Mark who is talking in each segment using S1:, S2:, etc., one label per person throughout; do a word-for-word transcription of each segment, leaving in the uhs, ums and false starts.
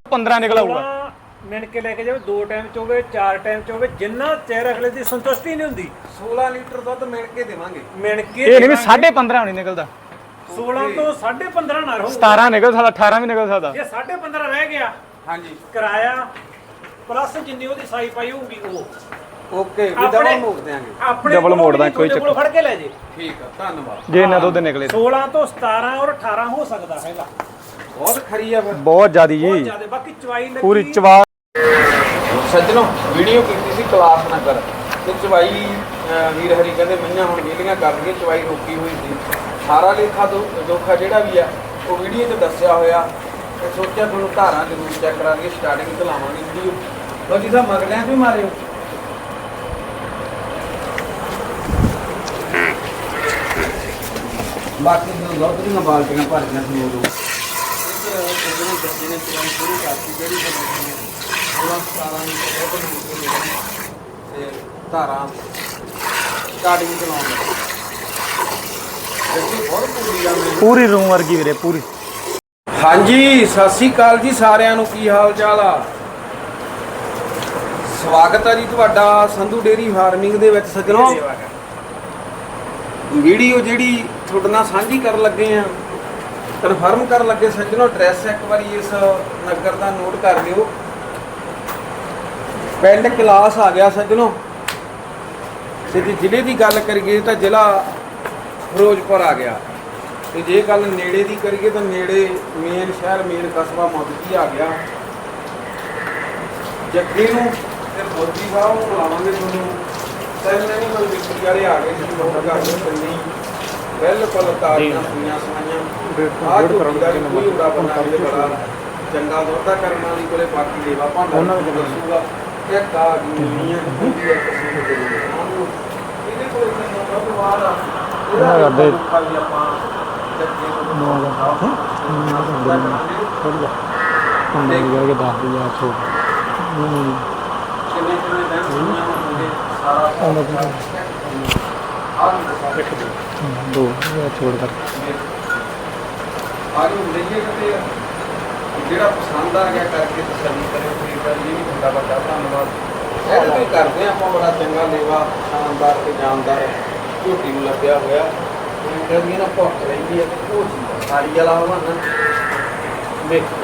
S1: पंद्रह निकला हुआ
S2: मिन के लेके जाओ दो टाइम च होवे चार टाइम च होवे जिन्ना चेहरा अगले दी संतुष्टि नहीं हुंदी
S3: सोलह लीटर दुध मिल के देवांगे
S2: मिन के
S1: ये नहीं भी साढ़े पंद्रह नहीं निकलता
S2: सोलह तो साढ़े पंद्रह ना रहो
S1: सतारह निकल सकता अठारह भी निकल सकता
S2: जे साढ़े पंद्रह रह गया
S3: हाँ जी
S2: किराया प्लस जिन्नी ओदी साई पाई होगी वो
S3: ओके भी डबल मोड़ देंगे
S2: अपने
S1: डबल मोड़ दा कोई चक्कर
S2: फड़ के ले जे
S3: ठीक है धन्यवाद
S1: जे ना दुध निकले
S2: सोलह तो सतारह और अठारह हो सकता हैगा
S3: बहुत खरी है फिर
S1: बहुत ज्यादा
S2: बहुत
S1: जी
S2: ज्यादा बाकी चवाई लगी
S1: पूरी चवा
S3: सज्जनों वीडियो कीती सी क्लास नगर ते चवाई वीर हरी कहंदे मईयां हुण वेलियां कर लईए चवाई रोकी हुई सी सारा लेखा दोखा जिहड़ा भी है वो वीडियो 'ਚ ਦੱਸਿਆ ਹੋਇਆ ਤੇ ਸੋਚਿਆ ਤੁਹਾਨੂੰ ਧਾਰਾਂ ਜ਼ਰੂਰ ਚੈੱਕ ਕਰਾਂਗੇ ਸਟਾਰਟਿੰਗ ਤੋਂ ਲਾਵਾਂਗੇ ਵੀਡੀਓ ਬਾਕੀ ਸਾਹਿਬ ਮਗਲਿਆਂ 'ਚ ਵੀ ਮਾਰਿਓ ਬਾਕੀ ਜਦੋਂ ਦੁੱਧ ਦੀਆਂ ਬਾਲਟੀਆਂ ਭਰਦੀਆਂ ਸੀ ਉਦੋਂ ਜਿਹੜੇ ਬੱਚੇ ਨੇ ਚਵਾਈ ਸ਼ੁਰੂ ਕਰਤੀ ਜਿਹੜੀ ਉਹਨਾਂ ਸਾਰਾ ਨੂੰ ਤੇ ਧਾਰਾਂ ਸਟਾਰਟਿੰਗ ਚਲਾਉਣ ਲੱਗੇ ਦੇਖੋ ਬਹੁਤ ਪੂਰੀ ਗੱਲ ਹੈ
S1: पूरी रूम वर्गी वीरे पूरी
S3: ਹਾਂਜੀ ਸਤਿ ਸ੍ਰੀ ਅਕਾਲ ਜੀ ਸਾਰਿਆਂ ਨੂੰ ਕੀ ਹਾਲ ਚਾਲ ਆ ਸਵਾਗਤ ਹੈ ਜੀ ਤੁਹਾਡਾ ਸੰਧੂ ਡੇਅਰੀ ਫਾਰਮਿੰਗ ਦੇ ਵਿੱਚ ਸੱਜਣੋ ਵੀਡੀਓ ਜਿਹੜੀ ਤੁਹਾਡੇ ਨਾਲ ਸਾਂਝੀ ਕਰਨ ਲੱਗੇ ਆ ਕਨਫਰਮ ਕਰਨ ਲੱਗੇ ਸੱਜਣੋ ਐਡਰੈਸ ਇੱਕ ਵਾਰੀ ਇਸ ਨਗਰ ਦਾ ਨੋਟ ਕਰ ਲਿਓ ਪਿੰਡ ਕਲਾਸ ਆ ਗਿਆ ਸੱਜਣੋ ਤੇ ਜੇ ਜ਼ਿਲ੍ਹੇ ਦੀ ਗੱਲ ਕਰੀਏ ਤਾਂ ਜ਼ਿਲ੍ਹਾ ਫਿਰੋਜ਼ਪੁਰ ਆ ਗਿਆ ਤੇ ਜੇ ਗੱਲ ਨੇੜੇ ਦੀ ਕਰੀਏ ਤਾਂ ਨੇੜੇ ਮੇਨ ਸ਼ਹਿਰ ਮੇਨ ਕਸਬਾ ਮੋਦਕੀ ਆ ਗਿਆ ਜੱਗੀ ਨੂੰ ਤੇ ਮੋਦੀ ਸਾਹਿਬ ਨੂੰ ਬੁਲਾਵਾਂਗੇ ਤੁਹਾਨੂੰ ਸੈਨ ਐਨੀਮਲ ਵਿਕਰੀ ਵਾਲੇ ਆ ਗਏ ਜੀ ਬਹੁਤ ਘਰ ਦੇ ਕੰਨੀ ਬਿਲਕੁਲ ਤਾਜ਼ੀਆਂ ਸੁਈਆਂ ਸਵਾਈਆਂ ਆਹ ਝੋਟੀ ਦਾ ਕੋਈ ਉਡਾ ਬਣਾ ਕੇ ਬੜਾ ਚੰਗਾ ਦੁੱਧਾ ਕਰਨ ਵਾਲੀ ਕੋਲੇ ਬਾਕੀ ਲੇਵਾ ਭਾਂਡਾ ਉਹਨਾਂ ਨੂੰ ਦੱਸੂਗਾ ਇੱਕ ਆ ਗਈਆਂ ਹੁੰਦੀ ਹੈ ਕਿਸੇ ਦੇ ਇਹਦੇ ਕੋਲ ਦੁੱਧ ਬਾਅਦ ਆ ਇਹਦਾ ਕਰਦੇ ਆਪਾਂ ਜੱਗੇ ਨੂੰ
S1: पंद्रह करके दस दिया छो
S3: ਕਿੰਨੇ ਕਿੰਨੇ ਦਿਨ ਸੁਈਆਂ ਹੁੰਦੇ ਸਾਰਾ
S1: दो छोड़ कर
S3: ਆਜੋ ਲਈਏ ਕਿਤੇ ਜਿਹੜਾ ਪਸੰਦ ਆ ਗਿਆ ਕਰਕੇ ਤਸੱਲੀ ਕਰੇ ਖਰੀਦਦਾਰ ਜੀ ਵੀ ਤੁਹਾਡਾ ਵੱਡਾ ਧੰਨਵਾਦ ਇਹ ਵੀ ਕਰਦੇ ਆ ਆਪਾਂ ਬੜਾ ਚੰਗਾ ਲੇਵਾ ਸ਼ਾਨਦਾਰ ਤੇ ਜਾਨਦਾਰ ਝੋਟੀ ਨੂੰ ਲੱਗਿਆ ਹੋਇਆ ਜਿਹੜੀ ਨਾ ਭੁੱਖ ਰਹਿੰਦੀ ਹੈ ਤੇ ਉਹ ਚੀਜ਼ ਸਾਰੀ ਵਾਲਾ ਹੋਵਾ ਨਾ ਦੇਖੋ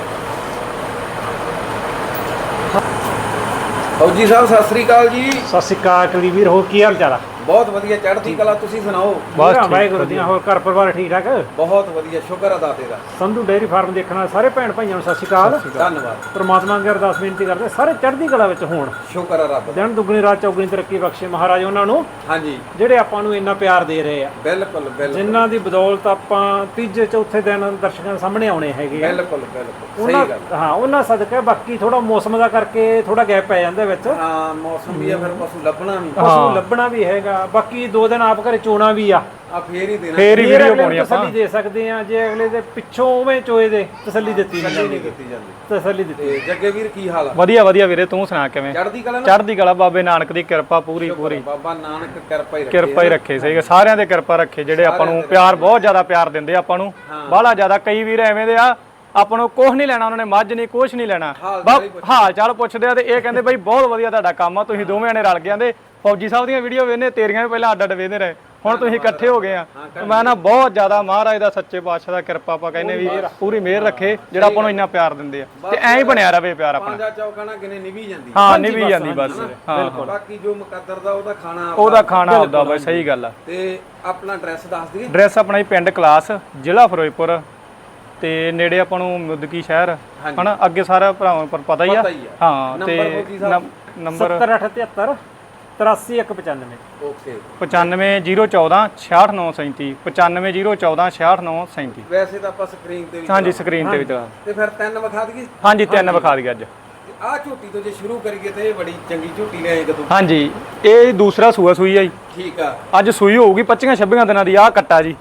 S3: ਫੌਜੀ ਸਾਹਿਬ ਸਤਿ ਸ੍ਰੀ ਅਕਾਲ ਜੀ
S2: ਸਤਿ ਸ਼੍ਰੀ ਅਕਾਲ ਕਲੀਵੀਰ ਹੋ ਕੀ ਹਾਲ ਚਾਲ ਆ
S3: ਬਹੁਤ ਵਧੀਆ ਚੜ੍ਹਦੀ ਕਲਾ ਤੁਸੀਂ ਸੁਣਾਓ
S1: ਬਸ
S2: ਬਸ ਵਾਹਿਗੁਰੂ ਦੀਆਂ ਹੋਰ ਘਰ ਪਰਿਵਾਰ ਠੀਕ ਠਾਕ
S3: ਬਹੁਤ ਵਧੀਆ ਸ਼ੁਕਰ ਅਦਾ ਤੇਰਾ
S2: ਸੰਧੂ ਡੇਅਰੀ ਫਾਰਮ ਦੇਖਣ ਵਾਲੇ ਸਾਰੇ ਭੈਣ ਭਾਈਆਂ ਨੂੰ ਸਤਿ ਸ਼੍ਰੀ ਅਕਾਲ
S3: ਧੰਨਵਾਦ
S2: ਪ੍ਰਮਾਤਮਾ ਅੱਗੇ ਅਰਦਾਸ ਬੇਨਤੀ ਕਰਦੇ ਸਾਰੇ ਚੜ੍ਹਦੀ ਕਲਾ ਵਿੱਚ ਹੋਣ
S3: ਸ਼ੁਕਰ ਹੈ ਰੱਬ ਦਾ
S2: ਦਿਨ ਦੁੱਗਣੀ ਰਾਤ ਚੌਗਣੀ ਤਰੱਕੀ ਬਖਸ਼ੇ ਮਹਾਰਾਜ ਉਹਨਾਂ ਨੂੰ
S3: ਹਾਂਜੀ
S2: ਜਿਹੜੇ ਆਪਾਂ ਨੂੰ ਇੰਨਾ ਪਿਆਰ ਦੇ ਰਹੇ ਆ
S3: ਬਿਲਕੁਲ ਬਿਲਕੁਲ
S2: ਜਿਨ੍ਹਾਂ ਦੀ ਬਦੌਲਤ ਆਪਾਂ ਤੀਜੇ ਚੌਥੇ ਦਿਨ ਦਰਸ਼ਕਾਂ ਦੇ ਸਾਹਮਣੇ ਆਉਣੇ ਹੈਗੇ ਆ
S3: ਬਿਲਕੁਲ ਬਿਲਕੁਲ
S2: ਉਹਨਾਂ
S3: ਸਹੀ ਗੱਲ
S2: ਹਾਂ ਉਹਨਾਂ ਸਦਕਾ ਬਾਕੀ ਥੋੜਾ ਮੌਸਮ ਦਾ ਕਰਕੇ ਥੋੜਾ ਗੈਪ ਪੈ ਜਾਂਦਾ ਵਿੱਚ
S3: ਹਾਂ ਮੌਸਮ ਵੀ ਆ ਫਿਰ ਪਸ਼ੂ ਲੱਭਣਾ ਵੀ
S2: ਪਸ਼ੂ ਲੱਭਣਾ ਵੀ ਹੈਗਾ ਬਾਕੀ ਦੋ ਦਿਨ ਆਪ ਘਰੇ ਚੋਣਾ ਵੀ ਆ
S3: ਆ ਫੇਰ ਹੀ ਦੇਣਾ
S1: ਫੇਰ ਹੀ
S2: ਫਿਰ
S1: ਵੀਡੀਓ
S2: ਅਗਲੇ ਨੂੰ
S1: ਪਾਉਣੀ ਆਪਾਂ
S2: ਤਸੱਲੀ ਦੇ ਸਕਦੇ ਆ ਜੇ ਅਗਲੇ ਦੇ ਪਿੱਛੋਂ ਉਵੇਂ ਚੋਏ ਦੇ ਤਸੱਲੀ ਦਿੱਤੀ ਨਹੀਂ
S3: ਨਹੀਂ
S2: ਜਾਂਦੀ
S3: ਕੀਤੀ ਜਾਂਦੀ
S2: ਤਸੱਲੀ ਦਿੱਤੀ
S3: ਤੇ ਜੱਗੇ ਵੀਰ ਕੀ ਹਾਲ ਆ
S1: ਵਧੀਆ ਵਧੀਆ ਵੀਰੇ ਤੂੰ ਸੁਣਾ ਕਿਵੇਂ
S3: ਚੜ੍ਹਦੀ ਕਲਾ ਨਾ
S1: ਚੜ੍ਹਦੀ ਕਲਾ ਬਾਬੇ ਨਾਨਕ ਦੀ ਕਿਰਪਾ ਪੂਰੀ ਪੂਰੀ
S3: ਬਾਬਾ ਨਾਨਕ ਕਿਰਪਾ ਹੀ ਰੱਖੇ
S1: ਕਿਰਪਾ ਹੀ ਰੱਖੇ ਸਹੀ ਸਾਰਿਆਂ ਦੇ ਕਿਰਪਾ ਰੱਖੇ ਜਿਹੜੇ ਆਪਾਂ ਨੂੰ ਪਿਆਰ ਬਹੁਤ ਜ਼ਿਆਦਾ ਪਿਆਰ ਦਿੰਦੇ ਆਪਾਂ ਨੂੰ ਬਾਹਲਾ ਜ਼ਿਆਦਾ ਕਈ ਵੀਰ ਐਵੇਂ ਦੇ ਆ ਆਪਾਂ ਨੂੰ ਕੁਝ ਨਹੀਂ ਲੈਣਾ ਉਹਨਾਂ ਨੇ ਮੱਝ ਨਹੀਂ ਕੁਝ ਨਹੀਂ ਲੈਣਾ ਹਾਲ ਚਾਲ ਪੁੱਛਦੇ ਆ ਤੇ ਇਹ ਕਹਿੰਦੇ ਬਈ ਬਹੁਤ ਵਧੀਆ ਤੁਹਾਡਾ ਕੰਮ ਆ ਤੁਸੀਂ ਦੋਵੇਂ ਜਣੇ ਰਲ ਗਏ ਫੌਜੀ ਸਾਹਿਬ ਦੀਆਂ ਵੀਡੀਓ ਵੇਖਨੇ ਤੇਰੀਆਂ ਵੀ ਪਹਿਲਾਂ ਅੱਡ ਅੱਡ ਵੇਖਦੇ ਰਹੇ ਹੁਣ ਤੁਸੀਂ ਇਕੱਠੇ ਹੋ ਗਏ ਆ ਮੈਂ ਨਾ ਬਹੁਤ ਜ਼ਿਆਦਾ ਮਹਾਰਾਜ ਦਾ ਸੱਚੇ ਪਾਤਸ਼ਾਹ ਦਾ ਕਿਰਪਾ ਆਪਾਂ ਕਹਿੰਦੇ ਵੀ ਪੂਰੀ ਮਿਹਰ ਰੱਖੇ ਜਿਹੜਾ ਆਪਾਂ ਨੂੰ ਇੰਨਾ ਪਿਆਰ ਦਿੰਦੇ ਆ ਤੇ ਐਂ ਹੀ ਬਣਿਆ ਰਵੇ ਪਿਆਰ ਆਪਣਾ
S3: ਪੰਜਾ ਚੌਕਾਣਾ ਕਿਨੇ ਨਿਭੀ ਜਾਂਦੀ
S1: ਹਾਂ ਨਿਭੀ ਜਾਂਦੀ ਬਸ ਹਾਂ
S3: ਬਾਕੀ ਜੋ ਮੁਕੱਦਰ ਦਾ ਉਹਦਾ ਖਾਣਾ
S1: ਉਹਦਾ ਖਾਣਾ ਹੁੰਦਾ ਬਈ ਸਹੀ ਗੱਲ ਆ
S3: ਤੇ ਆਪਣਾ ਐਡਰੈਸ ਦੱਸ ਦਈਏ
S1: ਐਡਰੈਸ ਆਪਣਾ ਹੀ ਪਿੰਡ ਕਲਾਸ ਜ਼ਿਲ੍ਹਾ ਫਿਰੋਜ਼ਪੁਰ ਤੇ ਨੇੜੇ ਆਪਾਂ ਨੂੰ ਮੁਦਕੀ ਸ਼ਹਿਰ ਹਨਾ ਅੱਗੇ ਸਾਰਾ ਭਰਾਵਾਂ ਪਰ ਪਤਾ ਹੀ ਆ ਹਾਂ ਤੇ ਨੰਬਰ
S2: ਸੱਤਰ ਅੱਠ ਤਿਹੱਤਰ ਤਰਾਸੀ ਇੱਕ ਪਚਾਨਵੇਂ
S3: ਓਕੇ
S1: ਪਚਾਨਵੇਂ ਜ਼ੀਰੋ ਚੌਦਾਂ ਛਿਆਹਠ ਨੌ ਸੈਂਤੀ ਪਚਾਨਵੇਂ ਜ਼ੀਰੋ ਚੌਦਾਂ ਛਿਆਹਠ ਨੌ ਸੈਂਤੀ
S3: ਵੈਸੇ ਤਾਂ ਆਪਾਂ ਸਕਰੀਨ ਤੇ ਵੀ
S1: ਹਾਂਜੀ ਸਕਰੀਨ ਤੇ ਵੀ ਦਿਖਾ
S3: ਤੇ ਫਿਰ ਤਿੰਨ ਵਿਖਾ ਦਈਏ
S1: ਹਾਂਜੀ ਤਿੰਨ ਵਿਖਾ ਦਈਏ ਅੱਜ
S3: ਆਹ ਝੋਟੀ ਤੋਂ ਜੇ ਸ਼ੁਰੂ ਕਰੀਏ ਤੇ ਇਹ ਬੜੀ ਚੰਗੀ ਝੋਟੀ ਲੈ ਆਏ ਕਦੋਂ
S1: ਹਾਂਜੀ ਇਹ ਦੂਸਰਾ ਸੂਆ ਸੂਈ ਆ ਜੀ
S3: ਠੀਕ ਆ
S1: ਅੱਜ ਸੂਈ ਹੋਊਗੀ ਪੱਚੀਆਂ ਛੱਬੀਆਂ ਦਿਨਾਂ ਦੀ ਆਹ ਕੱਟਾ ਜੀ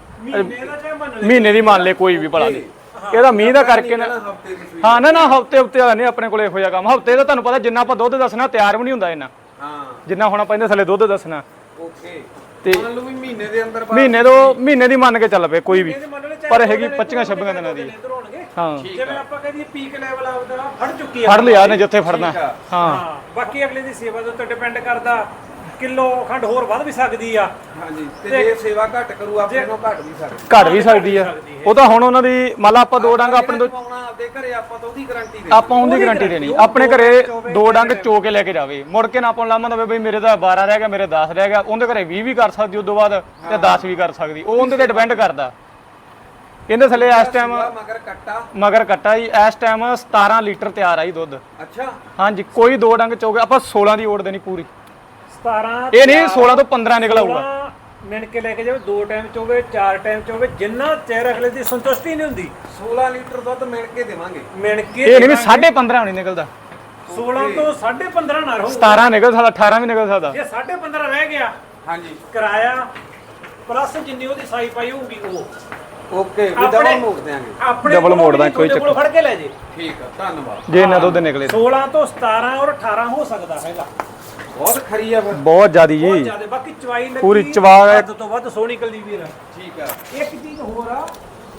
S1: ਮਹੀਨੇ ਦੀ ਮੰਨ ਲੈ ਕੋਈ ਵੀ ਭਲਾ ਇਹਦਾ ਮੀਂਹ ਦਾ ਕਰਕੇ ਨਾ ਹਾਂ ਨਾ ਨਾ ਹਫਤੇ ਹਫਤੇ ਵਾਲਾ ਨਹੀਂ ਆਪਣੇ ਕੋਲ ਇਹੋ ਜਿਹਾ ਕੰਮ ਹਫਤੇ ਦਾ ਤੁਹਾਨੂੰ ਪਤਾ ਜਿੰਨਾ ਆਪਾਂ ਦੁੱਧ ਦੱਸਣਾ ਤਿਆਰ ਵੀ ਨਹੀਂ ਹੁੰਦਾ ਇਹਨਾਂ
S3: ਹਾਂ
S1: ਜਿੰਨਾ ਹੁਣ ਆਪਾਂ ਇਹਦੇ ਥੱਲੇ ਦੁੱਧ ਦੱਸਣਾ
S3: ਓਕੇ
S1: ਤੇ
S3: ਮੰਨ ਲਓ ਵੀ ਮਹੀਨੇ ਦੇ ਅੰਦਰ
S1: ਮਹੀਨੇ ਤੋਂ ਮਹੀਨੇ ਦੀ ਮੰਨ ਕੇ ਚੱਲ ਪਏ ਕੋਈ ਵੀ
S2: ਇਹਦੇ ਮੰਨ ਲਓ
S1: ਪਰ ਹੈਗੀ ਪੱਚੀਆਂ ਛੱਬੀਆਂ ਦਿਨਾਂ ਦੀ। ਹਾਂ
S2: ਜਿਵੇਂ ਆਪਾਂ ਕਹਿੰਦੇ ਪੀਕ ਲੈਵਲ ਆਪਦਾ ਫੜ ਚੁੱਕੀ ਆ,
S1: ਫੜ ਲਿਆ ਨੇ ਜਿੱਥੇ ਫੜਨਾ। ਹਾਂ
S2: ਹਾਂ ਬਾਕੀ ਅਗਲੇ ਦੀ ਸੇਵਾ ਦੇ ਉੱਤੇ ਡਿਪੈਂਡ ਕਰਦਾ, ਕਿਲੋ ਖੰਡ ਹੋਰ ਵੱਧ ਵੀ ਸਕਦੀ ਆ।
S3: ਹਾਂਜੀ ਤੇ ਜੇ ਸੇਵਾ ਘੱਟ ਕਰੂ ਆਪਣੇ ਨੂੰ ਘੱਟ ਵੀ ਸਕਦੀ
S1: ਘੱਟ ਵੀ ਸਕਦੀ ਆ। ਉਹ ਤਾਂ ਹੁਣ ਉਹਨਾਂ ਦੀ ਮੰਨ ਲਾ ਆਪਾਂ ਦੋ ਡੰਗ ਆਪਣੇ ਤੋਂ
S3: ਪਾਉਣਾ ਆਪਦੇ ਘਰੇ ਆਪਾਂ ਤਾਂ ਉਹਦੀ ਗਾਰੰਟੀ ਦੇ
S1: ਆਪਾਂ ਉਹਦੀ ਗਾਰੰਟੀ ਦੇਣੀ। ਆਪਣੇ ਘਰੇ ਦੋ ਡੰਗ ਚੋ ਕੇ ਲੈ ਕੇ ਜਾਵੇ, ਮੁੜ ਕੇ ਨਾ ਆਪਾਂ ਨੂੰ ਲਾਮਾ ਦਵੇ ਬਈ ਮੇਰੇ ਤਾਂ ਬਾਰਾਂ ਰਹਿ ਗਿਆ, ਮੇਰੇ ਦਸ ਰਹਿ ਗਿਆ। ਉਹਦੇ ਘਰੇ ਵੀਹ ਵੀ ਕਰ ਸਕਦੀ, ਉਦੋਂ ਬਾਅਦ ਤੇ ਦਸ ਵੀ ਕਰ ਸਕਦੀ। ਉਹ ਉਹਦੇ ਤੇ ਡਿਪੈਂਡ ਕਰਦਾ। ਇਹਦੇ ਥੱਲੇ ਇਸ ਟਾਈਮ
S3: ਮਗਰ ਕੱਟਾ
S1: ਮਗਰ ਕੱਟਾ ਜੀ ਇਸ ਟਾਈਮ ਸਤਾਰਾਂ ਲੀਟਰ ਤਿਆਰ ਆ ਜੀ ਦੁੱਧ।
S3: ਅੱਛਾ
S1: ਹਾਂਜੀ ਕੋਈ ਦੋ ਡੰਗ ਚੋਗੇ ਆਪਾਂ ਸੋਲਾਂ ਦੀ ਓੜ ਦੇਣੀ ਪੂਰੀ।
S2: ਸਤਾਰਾਂ
S1: ਇਹ ਨਹੀਂ ਸੋਲਾਂ ਤੋਂ ਪੰਦਰਾਂ ਨਿਕਲ ਆਊਗਾ।
S2: ਮਿਣ ਕੇ ਲੈ ਕੇ ਜਾਵੇ, ਦੋ ਟਾਈਮ ਚੋਵੇ ਚਾਰ ਟਾਈਮ ਚੋਵੇ, ਜਿੰਨਾ ਚਿਰ ਅਗਲੇ ਦੀ ਸੰਤੁਸ਼ਟੀ ਨਹੀਂ ਹੁੰਦੀ
S3: ਸੋਲਾਂ ਲੀਟਰ ਦੁੱਧ ਮਿਣ ਕੇ ਦੇਵਾਂਗੇ।
S2: ਮਿਣ ਕੇ
S1: ਇਹ ਨਹੀਂ ਵੀ ਸਾਢੇ ਪੰਦਰਾਂ ਨਹੀਂ ਨਿਕਲਦਾ,
S2: ਸੋਲਾਂ ਤੋਂ ਸਾਢੇ ਪੰਦਰਾਂ ਨਾ ਰਹੋ,
S1: ਸਤਾਰਾਂ ਨਿਕਲ ਸਕਦਾ, ਅਠਾਰਾਂ ਵੀ ਨਿਕਲ ਸਕਦਾ।
S2: ਜੇ ਸਾਢੇ ਪੰਦਰਾਂ ਰਹਿ ਗਿਆ
S3: ਹਾਂਜੀ
S2: ਕਿਰਾਇਆ ਪਲੱਸ ਜਿੰਨੀ ਉਹਦੀ ਸਾਈ ਪਾਈ ਹੋਊਗੀ ਉਹ
S3: ਓਕੇ ਵੀ ਡਬਲ ਮੋੜ ਦਿਆਂਗੇ।
S2: ਆਪਣੇ
S1: Double
S2: ਕੋਲੋਂ
S1: ਮੋੜ ਦਾਂਗੇ,
S2: ਵੀ
S1: ਕੋਈ
S2: ਤੁਹਾਡੇ ਕੋਲੋਂ ਫੜ ਕੇ ਲੈ ਜੇ।
S3: ਠੀਕ ਆ ਧੰਨਵਾਦ।
S1: ਜੇ ਇਹਨਾਂ ਦੁੱਧ ਨਿਕਲੇ
S2: ਸੋਲਾਂ ਤੋਂ ਸਤਾਰਾਂ ਔਰ ਅਠਾਰਾਂ ਹੋ ਸਕਦਾ ਹੈਗਾ।
S3: ਬਹੁਤ ਖਰੀ ਆ ਫਿਰ।
S1: ਬਹੁਤ ਜ਼ਿਆਦੀ
S2: ਬਹੁਤ
S1: ਜੀ।
S2: ਜ਼ਿਆਦਾ। ਬਾਕੀ ਚਵਾਈ ਲੱਗੀ
S1: ਪੂਰੀ ਚਵਾ
S2: ਵੱਧ ਤੋਂ ਵੱਧ ਸੋਹਣੀ ਕਲਦੀ ਵੀਰ।
S3: ਠੀਕ ਆ
S2: ਇੱਕ ਚੀਜ਼ ਹੋਰ ਆ,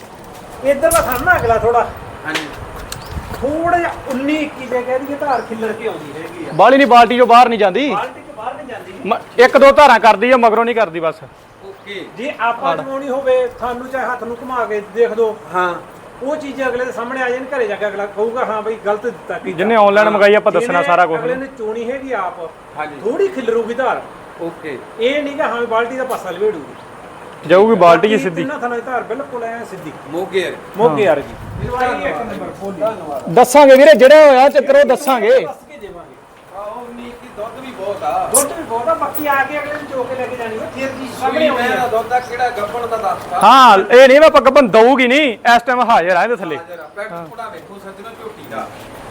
S2: ਇੱਧਰ ਦਾ ਥਾਣਾ ਅਗਲਾ ਥੋੜਾ
S3: ਹਾਂਜੀ
S2: ਥੋੜਾ ਜਿਹਾ ਉੱਨੀ ਇੱਕੀ ਜੇ ਕਹਿ ਦਈਏ ਧਾਰ ਖਿੱਲਰ ਕੇ ਆਉਂਦੀ ਹੈਗੀ ਆ।
S1: ਬਾਲੀ ਨਹੀਂ ਬਾਲਟੀ ਚੋਂ ਬਾਹਰ ਨਹੀਂ ਜਾਂਦੀ,
S2: ਬਾਲਟੀ ਤੋਂ ਬਾਹਰ ਨਹੀਂ ਜਾਂਦੀ।
S1: ਮ- ਇੱਕ ਦੋ ਧਾਰਾਂ ਕਰਦੀ ਆ, ਮਗਰੋਂ ਨਹੀਂ ਕਰਦੀ ਬਸ।
S3: ਓਕੇ
S2: ਜੇ ਆਪਾਂ ਜਮਾਉਣੀ ਹੋਵੇ ਤੁਹਾਨੂੰ ਚਾਹੇ ਹੱਥ ਨੂੰ ਘੁਮਾ ਕੇ ਦੇਖ ਦੋ,
S3: ਹਾਂ
S2: ਉਹ ਚੀਜ਼ ਅਗਲੇ ਦੇ ਸਾਹਮਣੇ ਆ ਜਾਣ, ਘਰੇ ਜਾ ਕੇ ਅਗਲਾ ਕਹੂਗਾ ਹਾਂ ਬਈ ਗਲਤ ਦਿੱਤਾ ਕੀਤਾ।
S1: ਜਿੰਨੇ ਆਨਲਾਈਨ ਮੰਗਾਈ ਆਪਾਂ ਦੱਸਣਾ ਸਾਰਾ ਕੁਝ।
S2: ਅਗਲੇ ਨੇ ਚੋਣੀ ਹੈਗੀ ਆਪ,
S3: ਹਾਂਜੀ
S2: ਥੋੜੀ ਖਿਲਰੂਗੀ ਧਾਰ।
S3: ਓਕੇ
S2: ਇਹ ਨਹੀਂਗਾ ਹਾਂ ਬਾਲਟੀ ਦਾ ਪਾਸਾ ਲਵੇੜੂਗੀ,
S1: ਜਾਊਗੀ ਬਾਲਟੀ ਜੀ ਸਿੱਧੀ।
S2: ਤਿੰਨਾਂ ਥਾਂ ਧਾਰ ਬਿਲਕੁਲ ਐ ਸਿੱਧੀ
S3: ਮੋਗੇ
S2: ਮੋਗੇ ਯਾਰ ਜੀ। ਜਵਾਈ ਇੱਕ ਨੰਬਰ ਫੋਲੀ
S3: ਧੰਨਵਾਦ।
S1: ਦੱਸਾਂਗੇ ਵੀਰੇ, ਜਿਹੜਾ ਹੋਇਆ ਚੱਕਰ ਉਹ ਦੱਸਾਂਗੇ।
S2: ਦੱਸ ਕੇ ਦੇਵਾਂਗੇ।
S3: ਆਹ ਉਨੀ ਕੀ ਦੁੱਧ ਵੀ ਬਹੁਤ ਆ।
S2: ਦੁੱਧ ਵੀ ਬਹੁਤ ਆ, ਬਾਕੀ ਆ ਕੇ ਅਗਲੇ ਨੂੰ ਚੋ ਕੇ ਲੈ ਕੇ ਜਾਣੀ ਹੈ ਫਿਰ ਜੀ
S3: ਸਾਹਮਣੇ
S2: ਸਾਹਮਣੇ ਆਉਣੀ
S3: ਮੈਂ
S2: ਆ।
S3: ਦੁੱਧ ਦਾ ਕਿਹੜਾ ਗੱਬਣ ਦਾ ਦੱਸਦਾ।
S1: ਹਾਂ ਇਹ ਨਹੀਂ ਵਾ ਪੱਕ ਬੰ ਦਊਗੀ ਨਹੀਂ, ਇਸ ਟਾਈਮ ਹਾਜ਼ਰ ਆ ਇਹਦੇ ਥੱਲੇ।
S3: ਜਰਾ ਪੈਕ ਥੋੜਾ ਵੇਖੋ ਸੱਜਣਾ ਝੋਟੀ ਦਾ।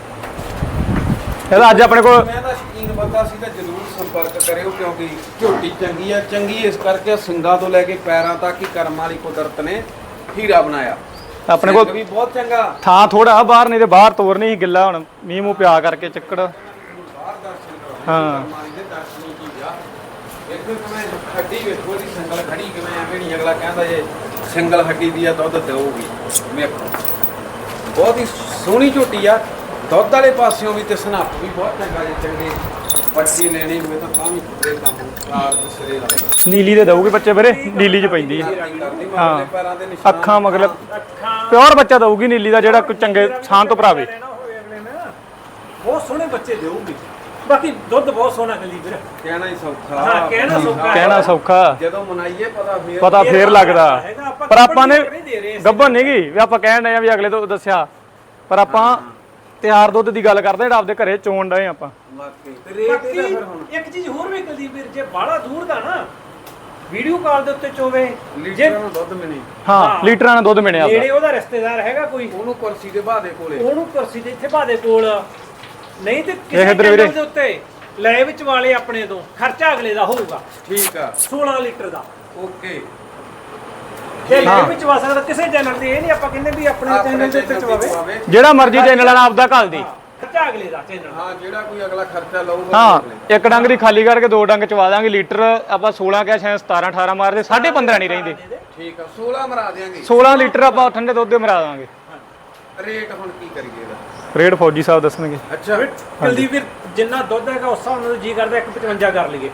S1: ਇਹਦਾ ਅੱਜ ਆਪਣੇ ਕੋਲ
S3: ਮੈਂ ਤਾਂ ਸ਼ਕੀਨ ਬੰਦਾ ਸੀ ਤਾਂ ਜ਼ਰੂਰ ਸੰਪਰਕ ਕਰਿਓ, ਕਿਉਂਕਿ ਝੋਟੀ ਚੰਗੀ ਆ। ਚੰਗੀ ਇਸ ਕਰਕੇ ਸਿੰਗਾਂ ਤੋਂ ਲੈ ਕੇ ਪੈਰਾਂ ਤੱਕ ਹੀ ਕਰਮ ਵਾਲੀ ਕੁਦਰਤ ਨੇ ਹੀਰਾ ਬਣਾਇਆ।
S1: ਆਪਣੇ
S3: ਸਿੰਘ
S1: ਕੋਲ
S3: ਵੀ ਬਹੁਤ ਚੰਗਾ।
S1: ਥਾਂ ਥੋੜਾ ਬਾਹਰ, ਨਹੀਂ ਤੇ ਬਾਹਰ ਤੋਰਨੀ ਸੀ ਗਿੱਲਾ। ਹੁਣ ਮੀਂਹ ਮੂੰਹ ਪਿਆ ਕਰਕੇ ਚੱਕੜ।
S3: ਬਾਹਰ ਦਰਸ਼ਨ ਕਰਾਉਣੇ
S1: ਹਾਂ।
S3: ਕਰਮ ਵਾਲੀ ਦੇ ਦਰਸ਼ਨ ਹੀ ਕੀ ਆ। ਵੇਖੋ ਕਿਵੇਂ ਹੱਡੀ ਵੇਖੋ ਦੀ ਸਿੰਗਲ ਖੜੀ ਕਿਵੇਂ ਐਵੇਂ ਨਹੀਂ ਅਗਲਾ ਕਹਿੰਦਾ ਜੇ ਸਿੰਗਲ ਹੱਡੀ ਦੀ ਆ ਦੁੱਧ ਦੇਊਗੀ। ਵੇਖੋ ਬਹੁਤ ਹੀ ਸੋਹਣੀ ਝੋਟੀ ਆ। ਦੁੱਧ ਵਾਲੇ ਪਾਸਿਓਂ ਵੀ ਤੇ ਸਨਾਪ ਵੀ ਬਹੁਤ ਚੰਗਾ ਜੇ ਚੰਗੇ ਪੱਟੀ ਲੈਣੀ ਹੋਵੇ ਤਾਂ ਤਾਂ ਵੀ ਦੇ ਕੰਮ ਕਾਰ ਦੇ ਸਿਰੇ ਲਾ
S1: ਨੀਲੀ ਦੇ ਦਊਗੀ ਬੱਚੇ ਵੀਰੇ, ਨੀਲੀ ਚ ਪੈਂਦੀ ਹੈ।
S3: ਹਾਂ ਪੈਰਾਂ ਦੇ ਨਿਸ਼ਾਨ
S1: ਅੱਖਾਂ ਮਗਲ
S2: ਅੱਖਾਂ
S1: ਪਿਓਰ ਬੱਚਾ ਦਊਗੀ ਨੀਲੀ ਦਾ, ਜਿਹੜਾ ਕੋਈ ਚੰਗੇ ਥਾਂ ਤੋਂ ਭਰਾਵੇ।
S2: ਲੈਣਾ ਹੋਵੇ ਅਗਲੇ ਨੇ ਬਹੁਤ ਸੋਹਣੇ ਬੱਚੇ ਦੇਊਗੀ। ਬਾਕੀ ਦੁੱਧ ਬਹੁਤ ਸੋਹਣਾ ਕਲੀ ਵੀਰ।
S3: ਕਹਿਣਾ ਹੀ ਸੌਖਾ।
S2: ਹਾਂ ਕਹਿਣਾ ਸੌਖਾ
S1: ਕਹਿਣਾ ਸੌਖਾ,
S3: ਜਦੋਂ ਮਨਾਈਏ ਪਤਾ ਫੇਰ
S1: ਪਤਾ ਫੇਰ ਲੱਗਦਾ।
S2: ਹੈਗਾ, ਆਪਾਂ
S1: ਪਰ ਆਪਾਂ ਨੇ
S2: ਨਹੀਂ ਦੇ ਰਹੇ।
S1: ਗੱਭਣ ਨਹੀਂ ਗਈ ਵੀ ਆਪਾਂ ਕਹਿਣ ਡਏ ਆ ਵੀ ਅਗਲੇ ਤੋਂ ਦੱਸਿਆ, ਪਰ ਆਪਾਂ ਤਿਆਰ ਦੁੱਧ ਦੀ ਗੱਲ ਕਰਦੇ ਜਿਹੜਾ ਆਪਦੇ ਘਰੇ ਚੋਣ ਡਏ ਆਪਾਂ।
S3: ਵਾਕਈ ਤੇ ਰੇਟ
S2: ਬਾਕੀ
S3: ਇਹਦਾ ਫਿਰ ਹੁਣ
S2: ਇੱਕ ਚੀਜ਼ ਹੋਰ ਵੀ ਕਲੀ ਵੀਰ, ਜੇ ਬਾਹਲਾ ਦੂਰ ਦਾ ਨਾ ਵੀਡੀਓ ਕਾਲ ਦੇ ਉੱਤੇ ਚੋਵੇ, ਜੇ
S3: ਲੀਟਰਾਂ ਨੂੰ ਦੁੱਧ ਮਿਣੀ
S1: ਹਾਂ ਲੀਟਰਾਂ ਨਾਲ ਦੁੱਧ ਮਿਣਿਆ
S2: ਨੇੜੇ
S1: ਆਪਦਾ।
S2: ਉਹਦਾ ਰਿਸ਼ਤੇਦਾਰ ਹੈਗਾ ਕੋਈ,
S3: ਉਹਨੂੰ ਕੁਰਸੀ ਦੇ ਬਾਦੇ ਕੋਲੇ
S2: ਉਹਨੂੰ ਕੁਰਸੀ ਦੇ ਇੱਥੇ ਬਾਦੇ ਕੋਲ, ਨਹੀਂ ਤੇ
S1: ਇਹ
S2: ਕਿਸੇ
S1: ਇੱਧਰ ਵੀਰੇ।
S2: ਚੈਨਲ ਦੇ ਉੱਤੇ ਲੈ ਵਿੱਚ ਵਾਲੇ ਆਪਣੇ ਤੋਂ ਖਰਚਾ ਅਗਲੇ ਦਾ ਹੋਊਗਾ
S3: ਠੀਕ ਆ
S2: ਸੋਲਾਂ ਲੀਟਰ ਦਾ।
S3: ਓਕੇ
S2: ਜੇ ਲੈ
S1: ਹਾਂ।
S2: ਵਿੱਚ ਵਾ ਸਕਦਾ ਕਿਸੇ ਚੈਨਲ ਤੇ, ਇਹ ਨਹੀਂ ਆਪਾਂ ਕਹਿੰਦੇ ਵੀ ਆਪਣੇ ਚੈਨਲ ਦੇ ਉੱਤੇ ਚਵਾਵੇ।
S1: ਜਿਹੜਾ ਮਰਜ਼ੀ ਚੈਨਲ ਨਾਲ ਆਪਦਾ ਘੱਲ ਦੀ।
S2: ਖਰਚਾ ਅਗਲੇ ਦਾ ਚੈਨਲ।
S3: ਹਾਂ ਜਿਹੜਾ ਕੋਈ ਅਗਲਾ ਖਰਚਾ ਲਊਗਾ
S1: ਹਾਂ ਇੱਕ ਡੰਗ ਦੀ ਖਾਲੀ ਕਰਕੇ ਦੋ ਡੰਗ ਚਵਾ ਦਾਂਗੇ। ਲੀਟਰ ਆਪਾਂ ਸੋਲਾਂ ਕਿਹਾ, ਸ਼ਾਇਦ ਸਤਾਰਾਂ ਅਠਾਰਾਂ ਮਾਰਦੇ, ਸਾਢੇ ਪੰਦਰਾਂ ਨਹੀਂ ਰਹਿੰਦੇ।
S3: ਠੀਕ ਆ ਸੋਲਾਂ ਮਰਾ ਦਿਆਂਗੇ।
S1: ਸੋਲਾਂ ਲੀਟਰ ਆਪਾਂ ਠੰਡੇ ਦੁੱਧ ਦੇ ਮਰਾ ਦਾਂਗੇ।
S3: ਰੇਟ ਹੁਣ ਕੀ ਕਰੀਏ ਇਹਦਾ?
S1: ਰੇਟ ਫੌਜੀ ਸਾਹਿਬ ਦੱਸਣਗੇ।
S3: ਅੱਛਾ
S2: ਕੁਲਦੀਪ ਵੀਰ ਜਿੰਨਾ ਦੁੱਧ ਹੈਗਾ ਉਸ ਹਿਸਾਬ ਨਾਲ ਜੀ ਕਰਦਾ ਇੱਕ ਪਚਵੰਜਾ ਕਰ ਲਈਏ,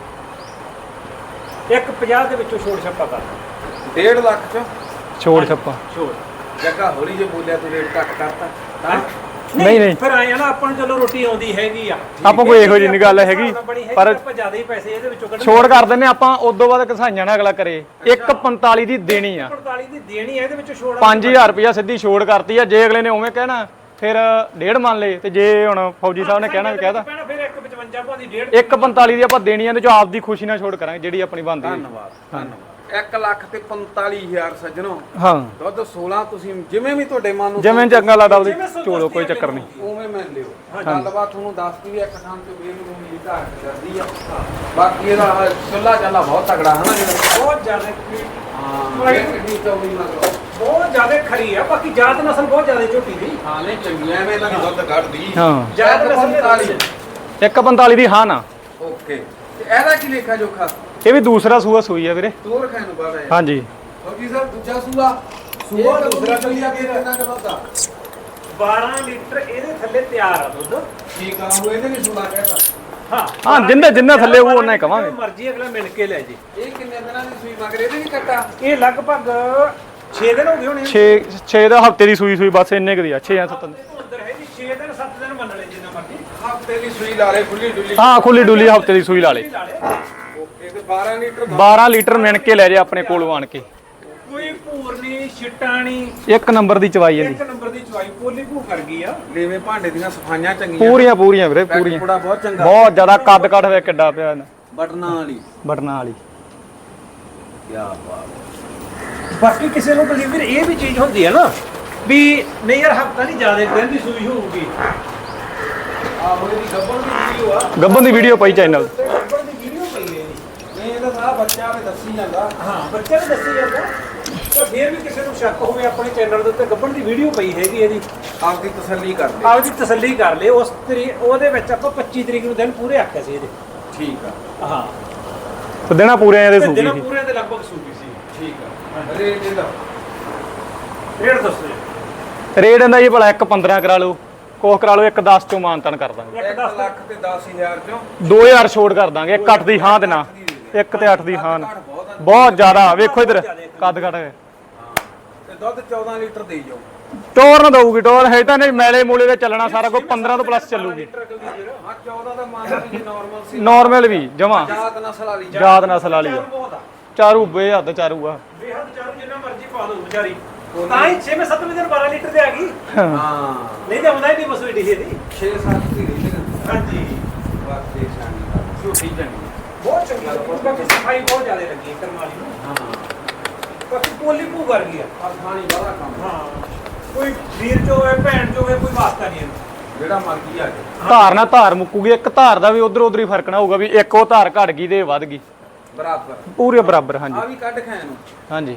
S2: ਇੱਕ ਪੰਜਾਹ ਦੇ ਵਿੱਚੋਂ ਛੋੜ ਛੱਪਾ ਕਰ
S3: ਡੇਢ ਲੱਖ ਚ
S1: ਛੋੜ ਛੱਪਾ
S2: ਛੋੜ।
S3: ਜੱਗਾ ਹੌਲੀ ਜੇ ਬੋਲਿਆ ਤੂੰ ਰੇਟ ਘੱਟ ਕਰਤਾ ਤਾਂ
S1: ਨਹੀਂ, ਨਹੀਂ।
S2: ਫਿਰ ਆਏ ਆ ਨਾ ਆਪਾਂ ਨੂੰ ਚਲੋ ਰੋਟੀ ਆਉਂਦੀ ਹੈਗੀ ਆ,
S1: ਆਪਾਂ ਕੋਈ ਇਹੋ ਜਿਹੀ ਨਹੀਂ ਗੱਲ ਹੈਗੀ,
S2: ਪਰ
S1: ਪਰ
S2: ਆਪਾਂ ਜ਼ਿਆਦਾ ਹੀ ਪੈਸੇ ਇਹਦੇ ਵਿੱਚੋਂ ਕੱਢਣ।
S1: ਛੋੜ ਕਰ ਦਿੰਨੇ ਆਪਾਂ। ਉਸ ਤੋਂ ਬਾਅਦ ਘਸਾਈਆਂ ਨਾ ਅਗਲਾ ਕਰੇ। ਇੱਕ ਪੰਤਾਲੀ ਦੀ ਦੇਣੀ ਆ,
S2: ਪੰਤਾਲੀ ਦੀ ਦੇਣੀ ਹੈ, ਇਹਦੇ ਵਿੱਚੋਂ ਛੋੜ
S1: ਪੰਜ ਹਜ਼ਾਰ ਰੁਪਇਆ ਸਿੱਧੀ ਛੋੜ ਕਰਤੀ ਆ। ਜੇ ਅਗਲੇ ਨੇ ਉਵੇਂ ਕਹਿਣਾ ਫਿਰ ਡੇਢ ਮੰਨ ਲਏ, ਤੇ ਜੇ ਹੁਣ ਫੌਜੀ ਸਾਹਿਬ ਨੇ ਕਹਿਣਾ ਵੀ ਕਹਿਦਾ
S2: ਫਿਰ ਇੱਕ ਪਚਵੰਜਾ ਭਾਦੀ ਡੇਢ
S1: ਇੱਕ ਪੰਤਾਲੀ ਦੀ ਆਪਾਂ ਦੇਣੀ ਆ, ਤੇ ਜੋ ਆਪਦੀ ਖੁਸ਼ੀ ਨਾਲ ਛੋੜ ਕਰਾਂਗੇ ਜਿਹੜੀ ਆਪਣੀ ਬਣਦੀ ਹੈ।
S3: ਧੰਨਵਾਦ ਧੰਨਵਾਦ। ਇੱਕ ਲੱਖ ਤੇ ਪੰਤਾਲੀ ਹਜ਼ਾਰ ਸੱਜਣੋ
S1: ਹਾਂ
S3: ਦੁੱਧ ਸੋਲਾਂ ਤੁਸੀਂ ਜਿਵੇਂ ਵੀ ਤੁਹਾਡੇ ਮਨ ਨੂੰ
S1: ਜਿਵੇਂ ਚੰਗਾ ਲੱਗਦਾ ਉਹਦੀ ਚੋਲੋ, ਕੋਈ ਚੱਕਰ ਨਹੀਂ।
S3: ਉਵੇਂ ਮੈਂ ਲਿਓ। ਗੱਲਬਾਤ ਤੁਹਾਨੂੰ ਦੱਸਦੀ ਵੀ ਇੱਕ ਥਾਂ ਤੇ ਬੇਲ ਨੂੰ ਮਿਲੀ ਘਾਟ ਕਰਦੀ ਆ। ਬਾਕੀ ਇਹਦਾ ਚੁੱਲਾ ਚੱਲਾ ਬਹੁਤ ਤਗੜਾ ਹੈ ਨਾ ਜਿਹੜਾ।
S2: ਬਹੁਤ ਜ਼ਿਆਦਾ
S3: ਹਾਂ ਇਹ ਕਿੰਨੀ ਚੌੜੀ ਮਤਲਬ
S2: ਬਹੁਤ ਜ਼ਿਆਦਾ ਖਰੀ ਆ। ਬਾਕੀ ਜਾਤ ਨਸਲ ਬਹੁਤ ਜ਼ਿਆਦਾ ਝੋਟੀ ਦੀ।
S3: ਹਾਂ ਨਹੀਂ ਚੰਗੀ ਐਵੇਂ ਤਾਂ ਨੀ ਦੁੱਧ ਕੱਢਦੀ।
S1: ਹਾਂ
S2: ਜਾਤ ਨਸਲ ਦੇ
S3: ਪੰਤਾਲੀ
S1: ਇੱਕ ਪੰਤਾਲੀ ਦੀ ਹਾਂ ਨਾ।
S3: ਓਕੇ ਤੇ ਇਹਦਾ ਕੀ ਲੇਖਾ ਜੋਖਾ?
S1: ਇਹ ਵੀ ਦੂਸਰਾ ਸੂਆ ਸੂਈ ਆ ਵੀਰੇ।
S3: ਤੋਰ ਖਾਣ ਨੂੰ ਬਾੜਾ ਹੈ।
S1: ਹਾਂਜੀ
S3: ਫੌਜੀ ਸਾਹਿਬ ਦੂਜਾ ਸੂਆ
S2: ਸੂਆ ਦੂਸਰਾ
S3: ਚੱਲਿਆ ਕਿ ਕਿੰਨਾ ਕੁ ਦੁੱਧ ਆ?
S2: ਬਾਰਾਂ ਲੀਟਰ ਇਹਦੇ ਥੱਲੇ ਤਿਆਰ ਆ ਦੁੱਧ।
S3: ਠੀਕ ਆ, ਉਹ ਇਹਦੇ ਨਹੀਂ ਸੁਣਾ ਕਹਿਤਾ।
S2: ਹਾਂ
S1: ਹਾਂ ਜਿੰਨੇ ਜਿੰਨੇ ਥੱਲੇ ਉਹ ਉਹਨਾਂ ਹੀ ਕਵਾਂਗੇ।
S2: ਮਰਜ਼ੀ ਅਗਲਾ ਮਿਲ ਕੇ ਲੈ ਜੀ।
S3: ਇਹ ਕਿੰਨੇ ਦਿਨਾਂ ਦੀ ਸੂਈ ਮਗਰ ਇਹਦੇ ਵੀ ਕੱਟਾ?
S2: ਇਹ ਲਗਭਗ ਛੇ ਦਿਨ ਹੋ ਗਏ ਹੋਣੇ।
S1: ਛੇ ਛੇ ਦਾ ਹਫਤੇ ਦੀ ਸੂਈ ਸੂਈ ਬਸ ਇੰਨੇ ਕੁ ਦੀ ਆ ਛੇ ਜਾਂ ਸੱਤ।
S2: ਅੰਦਰ ਹੈ ਜੀ ਛੇ ਦਿਨ ਸੱਤ ਦਿਨ ਮੰਨ ਲੈ ਜਿੰਨਾ ਮਰਜ਼ੀ।
S3: ਹਫਤੇ ਦੀ ਸੂਈ ਲਾ ਲੈ, ਖੁੱਲੀ ਡੁੱਲੀ।
S1: ਹਾਂ ਖੁੱਲੀ ਡੁੱਲੀ ਹਫਤੇ ਦੀ ਸੂਈ ਲਾ ਲੇ।
S3: ਓਕੇ, ਤੇ ਬਾਰਾਂ ਲੀਟਰ
S1: ਬਾਰਾਂ ਲੀਟਰ ਮਿਣ ਕੇ ਲੈ ਜੇ ਆਪਣੇ ਕੋਲੋਂ ਆਣ ਕੇ।
S2: ਕੋਈ ਭੂਰ ਨਹੀਂ, ਛਿੱਟਾ ਨਹੀਂ,
S1: ਇੱਕ ਨੰਬਰ ਦੀ ਚਵਾਈ ਇਹਦੀ।
S2: ਇੱਕ ਨੰਬਰ ਦੀ ਚਵਾਈ ਪੋਲੀ ਭੂ ਕਰ ਗਈ ਆ।
S3: ਲੇਵੇ ਭਾਂਡੇ ਦੀਆਂ ਸਫਾਈਆਂ ਚੰਗੀਆਂ।
S1: ਪੂਰੀਆਂ ਪੂਰੀਆਂ ਵੀਰੇ ਪੂਰੀਆਂ।
S3: ਬੜਾ ਬਹੁਤ ਚੰਗਾ।
S1: ਬਹੁਤ ਜ਼ਿਆਦਾ ਕੱਦ ਕੱਟ ਵੇ ਕਿੱਡਾ ਪਿਆ ਇਹਨਾਂ
S3: ਬਟਨਾਂ ਵਾਲੀ।
S1: ਬਟਨਾਂ ਵਾਲੀ।
S3: ਕੀ ਬਾਤ।
S2: ਬਾਕੀ ਕਿਸੇ ਨੂੰ ਬਲੀਵਰ ਇਹ ਵੀ ਚੀਜ਼ ਹੁੰਦੀ ਹੈ ਨਾ ਵੀ ਨਹੀਂ ਯਾਰ ਹਫਤਾ ਨਹੀਂ ਜ਼ਿਆਦਾ ਦਿਨ ਦੀ ਸੂਈ ਹੋਊਗੀ।
S3: ਆਹੋ ਇਹਦੀ ਗੱਬਣ ਦੀ ਵੀਡੀਓ ਆ।
S1: ਗੱਬਨ ਦੀ ਵੀਡੀਓ ਪਈ ਚੈਨਲ।
S2: ਗੱਬਣ ਦੀ ਵੀਡੀਓ ਪਈ ਹੈ ਇਹਦੀ।
S3: ਨਹੀਂ ਇਹਦਾ ਸਾਰਾ ਬੱਚਾ ਵੀ ਦੱਸੀ ਜਾਂਦਾ।
S2: ਹਾਂ ਬੱਚੇ ਨੂੰ ਦੱਸੀ ਜਾਂਦਾ। ਪਰ ਫਿਰ ਵੀ ਕਿਸੇ ਨੂੰ ਸ਼ੱਕ ਹੋਵੇ ਆਪਣੇ ਚੈਨਲ ਦੇ ਉੱਤੇ ਗੱਬਣ ਦੀ ਵੀਡੀਓ ਪਈ ਹੈਗੀ ਇਹਦੀ।
S3: ਆਪਦੀ ਤਸੱਲੀ ਕਰ ਲੈ।
S2: ਆਪਦੀ ਤਸੱਲੀ ਕਰ ਲੈ। ਉਸ ਤਰੀਕ ਉਹਦੇ ਵਿੱਚ ਆਪਾਂ ਪੱਚੀ ਤਰੀਕ ਨੂੰ ਦਿਨ ਪੂਰੇ ਆਖਿਆ ਸੀ ਇਹਦੇ।
S3: ਠੀਕ ਆ।
S2: ਹਾਂ
S1: ਤੇ ਦੇਣਾ ਪੂਰੇ ਇਹਦੇ
S2: ਤੇ
S1: ਸੂਈ
S2: ਦਿਨ
S1: ਸੀ।
S2: ਪੂਰੇ ਦੇ ਲਗਭਗ ਸੂਈ ਸੀ।
S3: ਠੀਕ ਆ। ਰੇਟ ਇਹਦਾ
S2: ਰੇਟ ਦੱਸੋ ਜੀ।
S1: ਰੇਟ ਇਹਦਾ ਜੀ ਭਲਾ ਇੱਕ ਪੰਦਰਾਂ ਕਰਾ ਲਓ, ਕੋਹ ਕਰਾ ਲਓ, ਇੱਕ ਦਸ ਚੋਂ ਮਾਨਤਨ ਕਰ ਦਾਂਗੇ।
S2: ਇੱਕ
S3: ਇੱਕ
S2: ਦਸ
S3: ਲੱਖ ਤੇ ਦਸ ਹਜ਼ਾਰ ਚੋਂ
S1: ਦੋ ਹਜ਼ਾਰ ਛੋੜ ਕਰ ਦਾਂਗੇ। ਇੱਕ ਅੱਠ ਦੀ ਹਾਂ ਤੇ ਨਾ, ਇੱਕ ਤੇ ਅੱਠ ਦੀ ਹਾਂ ਨਾ। ਬਹੁਤ ਜ਼ਿਆਦਾ ਵੇਖੋ ਇਧਰ ਕੱਦ ਕੱਟ ਹੈ।
S3: ਤੇ ਦੁੱਧ ਚੌਦਾਂ ਲੀਟਰ ਦੇਈ ਜਾਓ।
S1: ਟੋਰ ਨਾ ਦਊਗੀ ਟੋਰ ਹੈ ਤਾਂ ਨਹੀਂ ਮੈਲੇ ਮੂਲੇ ਦੇ ਚੱਲਣਾ ਸਾਰਾ ਕੁਝ ਪੰਦਰਾਂ ਤੋਂ ਪਲੱਸ ਚੱਲੂਗੀ।
S3: ਹਾਂ ਚੌਦਾਂ ਦਾ ਮੰਨ ਲਓ ਵੀ ਨਾਰਮਲ ਸੀ।
S1: ਨਾਰਮਲ ਵੀ ਜਮਾ
S3: ਜਾਤ ਨਸਲ ਵਾਲੀ।
S1: ਜਾਤ ਨਸਲ ਵਾਲੀ ਆ।
S2: ਬਹੁਤ ਆ
S1: ਚਾਰੂ ਬੇਹੱਦ ਚਾਰੂ ਆ।
S2: ਬੇਹੱਦ ਚਾਰੂ ਜਿੰਨਾ ਮਰਜ਼ੀ ਪਾ ਦੋ ਵਿਚਾਰੀ। ਤਾਂ ਹੀ ਛੇਵੇਂ ਸੱਤਵੇਂ ਦਿਨ ਬਾਰਾਂ ਲੀਟਰ ਤੇ ਆ ਗਈ।
S3: ਹਾਂ
S2: ਨਹੀਂ ਤਾਂ ਆਉਂਦਾ ਹੀ ਨਹੀਂ ਮਸੂਈ ਢੀ ਦੀ।
S3: ਛੇ ਸੱਤ ਦੀ ਰਹੀ ਹੈ।
S2: ਹਾਂਜੀ
S3: ਵਾਕਈ ਸ਼ਾਨੀ ਝੂਠੀ ਚੰਗੀ।
S2: ਬਹੁਤ ਚੰਗੀ ਲੱਗੀ। ਬਾਕੀ ਸਫਾਈ ਬਹੁਤ ਜ਼ਿਆਦਾ ਲੱਗੀ ਹੈ ਕਰਮ ਵਾਲੀ ਨੂੰ।
S3: ਹਾਂ
S2: ਬਾਕੀ ਪੋਲੀ ਭੂ ਕਰ ਗਈ ਆ।
S3: ਆਸਾਨੀ ਵਾਲਾ ਕੰਮ।
S2: ਹਾਂ ਕੋਈ ਵੀਰ ਚੋ ਹੈ ਭੈਣ ਚੋ ਹੈ ਕੋਈ ਵਾਸਤਾ ਨਹੀਂ ਇਹਨੂੰ।
S3: ਜਿਹੜਾ ਮਰਜ਼ੀ ਆ ਜਾਏ।
S1: ਧਾਰ ਨਾਲ ਧਾਰ ਮੁੱਕੂਗੀ। ਇੱਕ ਧਾਰ ਦਾ ਵੀ ਉਧਰ ਉਧਰ ਹੀ ਫਰਕ ਨਾ ਹੋਊਗਾ ਵੀ ਇੱਕ ਉਹ ਧਾਰ ਘਟ ਗਈ ਤੇ ਇਹ ਵੱਧ ਗਈ।
S3: ਬਰਾਬਰ
S1: ਪੂਰੇ ਬਰਾਬਰ।
S3: ਆ
S1: ਹਾਂਜੀ
S3: ਵੀ ਕੱਢ ਖਾਣ ਨੂੰ।
S1: ਹਾਂਜੀ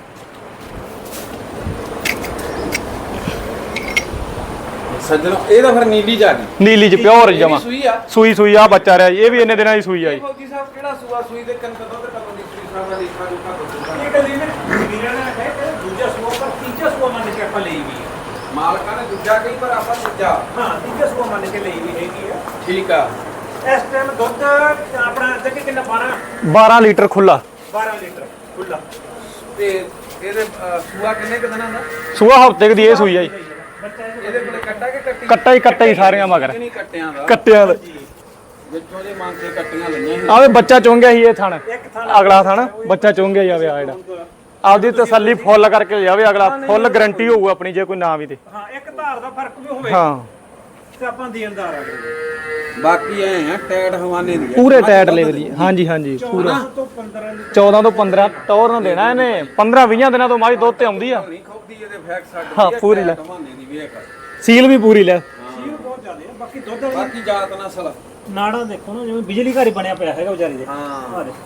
S3: ਸੱਜਣੋ ਇਹਦਾ ਫਿਰ ਨੀਲੀ ਜਾ ਗਈ।
S1: ਨੀਲੀ ਚ ਪਿਓਰ
S3: ਇਹ ਵੀ
S1: ਜਮਾ
S3: ਸੂਈ ਆ।
S1: ਸੂਈ ਸੂਈ ਆ ਬੱਚਾ ਰਿਹਾ ਜੀ। ਇਹ ਵੀ ਇੰਨੇ ਦਿਨਾਂ ਦੀ ਸੂਈ ਆ ਜੀ।
S3: ਫੌਜੀ ਸਾਹਿਬ ਕਿਹੜਾ ਸੂਆ ਸੂਈ ਦੇ ਕੰਨ ਕਦੋਂ ਤੇ ਕਦੋਂ ਦੀ ਸੂਈ ਸਾਹਿਬ ਦਾ ਦੇਖਾ ਜੁਖਾ ਦੱਸੋ।
S2: ਇਹ ਕਦੀ ਨੇ ਵੀਰਾਂ ਨੇ ਕਹੇ ਕਿ ਦੂਜਾ ਸੂਆ ਪਰ ਤੀਜਾ ਸੂਆ ਮੰਨ ਕੇ ਆਪਾਂ ਲਈ ਵੀ ਹੈ।
S3: ਮਾਲਕਾਂ ਨੇ ਦੂਜਾ ਕਈ ਪਰ ਆਪਾਂ ਦੂਜਾ।
S2: ਹਾਂ ਤੀਜਾ ਸੂਆ ਮੰਨ ਕੇ ਲਈ ਵੀ ਹੈਗੀ ਆ।
S3: ਠੀਕ ਆ।
S2: ਇਸ ਟਾਈਮ ਦੁੱਧ ਆਪਣਾ ਅੱਗੇ ਕਿੰਨਾ ਬਾਰਾਂ
S1: ਬਾਰਾਂ ਲੀਟਰ ਖੁੱਲਾ।
S2: ਬਾਰਾਂ ਲੀਟਰ ਖੁੱਲਾ।
S3: ਤੇ ਇਹਦੇ ਅਹ, ਸੂਆ ਕਿੰਨੇ ਕੁ ਦਿਨਾਂ ਦਾ?
S1: ਸੂਆ ਹਫਤੇ ਦੀ ਇਹ ਸੂਈ ਆ ਜੀ।
S2: ਬੱਚਾ
S3: ਇਹਦੇ ਕੋਲੇ ਕੱਟਾ ਕਿ ਕੱਟੀ?
S1: ਕੱਟਾ ਹੀ ਕੱਟਾ ਹੀ ਸਾਰੀਆਂ ਮਗਰ
S3: ਨਹੀਂ ਕੱਟਿਆਂ ਦਾ।
S1: ਕੱਟਿਆਂ ਦਾ
S3: ਵਿੱਚੋਂ ਜੇ ਮੰਨ ਕੇ ਕੱਟੀਆਂ ਲਈਆਂ ਸੀ।
S1: ਆਵੇ ਬੱਚਾ ਚੁੰਗਿਆ ਸੀ ਇਹ ਥਣ।
S2: ਇੱਕ ਥਾਂ
S1: ਅਗਲਾ ਥਣ ਬੱਚਾ ਚੁੰਗਿਆ ਜਾਵੇ ਆ ਜਿਹੜਾ ਆਪਦੀ ਤਸੱਲੀ ਫੁੱਲ ਕਰਕੇ ਜਾਵੇ ਅਗਲਾ। ਫੁੱਲ ਗਾਰੰਟੀ ਹੋਊ ਆਪਣੀ ਜੇ ਕੋਈ ਨਾ ਵੀ ਤੇ।
S2: ਹਾਂ ਇੱਕ ਧਾਰ ਦਾ ਫਰਕ ਵੀ ਹੋਵੇ
S1: ਹਾਂ
S2: ਤੇ ਆਪਾਂ ਦੇਣਦਾਰ ਆ ਗਏ।
S3: ਬਾਕੀ ਐ ਆ ਟੈਟ ਹਵਾਨੇ ਦੀ ਆ।
S1: ਪੂਰੇ ਟਾਇਟ ਲੈਵਲ ਦੀ। ਹਾਂਜੀ ਹਾਂਜੀ ਪੂਰਾ
S2: ਚੌਦਾਂ ਤੋਂ ਪੰਦਰਾਂ ਲੀਟਰ
S1: ਚੌਦਾਂ ਤੋਂ ਪੰਦਰਾਂ ਟੌਰ ਨੂੰ ਦੇਣਾ ਇਹਨੇ। ਪੰਦਰਾਂ ਵੀਹਾਂ ਦਿਨਾਂ ਤੋਂ ਮਾਈ ਦੁੱਧ ਤੇ ਆਉਂਦੀ ਆ।
S3: ਨਹੀਂ ਖੋਦੀ ਇਹਦੇ ਫੈਕ ਛੱਡ
S1: ਹਾਂ, ਪੂਰੀ ਲੈ।
S3: ਹਵਾਨੇ ਦੀ ਵੇਖ।
S1: ਸੀਲ ਵੀ ਪੂਰੀ ਲੈ।
S2: ਸੀਲ ਬਹੁਤ ਜ਼ਿਆਦਾ ਹੈ। ਬਾਕੀ ਦੁੱਧ ਵਾਲੀ
S3: ਬਾਕੀ ਜਾਤ ਨਸਲ।
S2: ਨਾੜਾਂ ਦੇਖੋ ਨਾ ਜਿਵੇਂ ਬਿਜਲੀ ਘਰ ਹੀ ਬਣਿਆ ਪਿਆ ਹੈਗਾ ਵਿਚਾਰੀ ਦੇ।
S3: ਹਾਂ
S2: ਆਹ ਦੇ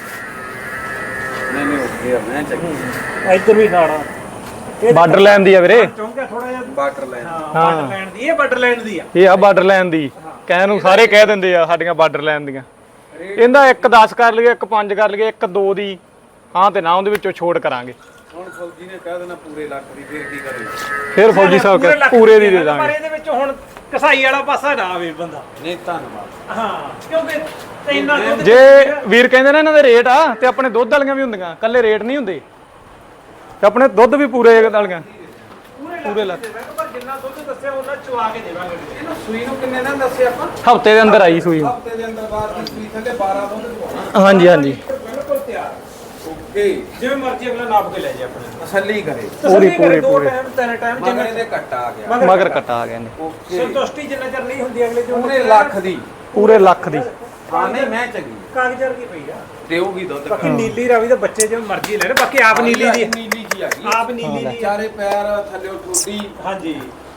S3: ਨਹੀਂ ਨਹੀਂ ਓਕੇ ਆ ਮੈਂ ਚੱਕੀ।
S2: ਇੱਧਰ ਵੀ ਨਾੜਾਂ।
S1: ਬਾਰਡਰ ਲੈਣ ਦੀ ਆ ਵੀਰੇ।
S2: ਚੌਂਕਾ ਥੋੜਾ ਜਿਹਾ
S3: ਬਾਟਰ ਲੈ।
S2: ਹਾਂ ਬਾਰਡਰ ਲੈਣ ਦੀ। ਇਹ ਬਾਰਡਰ ਲੈਣ ਦੀ ਆ।
S1: ਇਹ ਆ ਬਾਰਡਰ ਲੈਣ ਦੀ। ਕਹਿਣ ਨੂੰ ਸਾਰੇ ਕਹਿ ਦਿੰਦੇ ਆ ਸਾਡੀਆਂ ਬਾਰਡਰ ਲੈਣ ਦੀਆਂ। ਇਹਦਾ ਇੱਕ ਦਸ ਕਰ ਲਈਏ, ਇੱਕ ਪੰਜ ਕਰ ਲਈਏ, ਇੱਕ ਦੋ ਦੀ ਹਾਂ ਤੇ ਨਾ ਉਹਦੇ ਵਿੱਚੋਂ ਛੋੜ ਕਰਾਂਗੇ।
S3: ਹੁਣ ਫੌਜੀ ਨੇ ਕਹਿ ਦੇਣਾ ਪੂਰੇ ਲੱਖ ਦੀ, ਫਿਰ ਕੀ ਕਰੇ?
S1: ਫਿਰ ਫੌਜੀ ਸਾਹਿਬ
S2: ਪੂਰੇ
S1: ਕਹੇ
S2: ਲੱਖ
S1: ਪੂਰੇ ਦੀ ਦੇ
S2: ਪਰ
S1: ਦਾਂਗੇ।
S2: ਇਹਦੇ ਵਿੱਚ ਹੁਣ ਕਸਾਈ ਵਾਲਾ ਪਾਸਾ ਨਾ ਆਵੇ ਬੰਦਾ।
S3: ਨਹੀਂ ਧੰਨਵਾਦ।
S2: ਹਾਂ ਕਿਉਂਕਿ ਤੇ ਇੰਨਾ ਦੁੱਧ
S1: ਜੇ ਵੀਰ ਕਹਿੰਦੇ ਨਾ ਇਹਨਾਂ ਦੇ ਰੇਟ ਆ ਤੇ ਆਪਣੇ ਦੁੱਧ ਵਾਲੀਆਂ ਵੀ ਹੁੰਦੀਆਂ, ਕੱਲੇ ਰੇਟ ਨਹੀਂ ਹੁੰਦੇ ਤੇ ਆਪਣੇ ਦੁੱਧ ਵੀ ਪੂਰੇ ਵਾਲੀਆਂ
S2: ਪੂਰੇ ਲੱਖ ਦੇ ਦੇਵਾਂਗੇ। ਪਰ ਜਿੰਨਾ ਦੁੱਧ ਦੱਸਿਆ ਉਹਨਾਂ ਚਵਾ ਕੇ ਦੇਵਾਂਗੇ।
S3: ਇਹਨੂੰ ਸੂਈ ਨੂੰ ਕਿੰਨੇ ਦਿਨ ਦੱਸਿਆ ਆਪਾਂ?
S1: ਹਫਤੇ ਦੇ ਅੰਦਰ ਆਈ ਸੂਈ।
S3: ਹਫਤੇ ਦੇ ਅੰਦਰ ਬਾਅਦ ਦੀ ਸੂਈ ਥੱਲੇ ਬਾਰਾਂ ਦੁੱਧ ਦਵਾਉਣਾ।
S1: ਹਾਂਜੀ ਹਾਂਜੀ
S2: ਬਿਲਕੁਲ ਤਿਆਰ।
S3: ਓਕੇ
S2: ਜਿਵੇਂ ਮਰਜ਼ੀ ਅਗਲਾ ਨਾਪ ਕੇ ਲੈ ਜਾ ਆਪਣੇ।
S3: ਤਸੱਲੀ ਕਰੇ।
S1: ਪੂਰੀ ਪੂਰੀ
S2: ਦੋ
S1: ਪੂਰੀ
S2: ਟਾਈਮ ਤਿੰਨ ਟਾਈਮ
S3: ਮਗਰ
S2: ਜਿਵੇਂ
S3: ਇਹਦੇ ਕੱਟਾ ਆ ਗਿਆ।
S1: ਮਗਰ ਕੱਟਾ ਆ ਗਏ ਨੇ।
S3: ਓਕੇ
S2: ਸੰਤੁਸ਼ਟੀ ਜਿੰਨਾ ਚਿਰ ਨਹੀਂ ਹੁੰਦੀ ਅਗਲੇ ਜੋ
S3: ਪੂਰੇ ਲੱਖ ਦੀ।
S1: ਪੂਰੇ ਲੱਖ ਦੀ।
S3: ਹਾਂ ਨਹੀਂ ਮੈਂ ਚੰਗੀ
S2: ਕਾਗਜ਼ਾਂ ਕੀ ਪਈ ਆ।
S3: ਦੇਊਗੀ ਦੁੱਧ।
S2: ਬਾਕੀ ਨੀਲੀ ਰਾਵੀ ਦੇ ਬੱਚੇ ਜਿਵੇਂ ਮਰਜ਼ੀ ਲੈ ਲੈ। ਬਾਕੀ ਆਪ ਨੀਲੀ ਦੀ
S3: ਨੀਲੀ ਜੀ ਆ ਗਈ।
S2: ਆਪ ਨੀਲੀ ਦੀ ਆ।
S3: ਚਾਰੇ ਪੈਰ ਥੱਲੇ ਠੋਡੀ।
S2: ਹਾਂਜੀ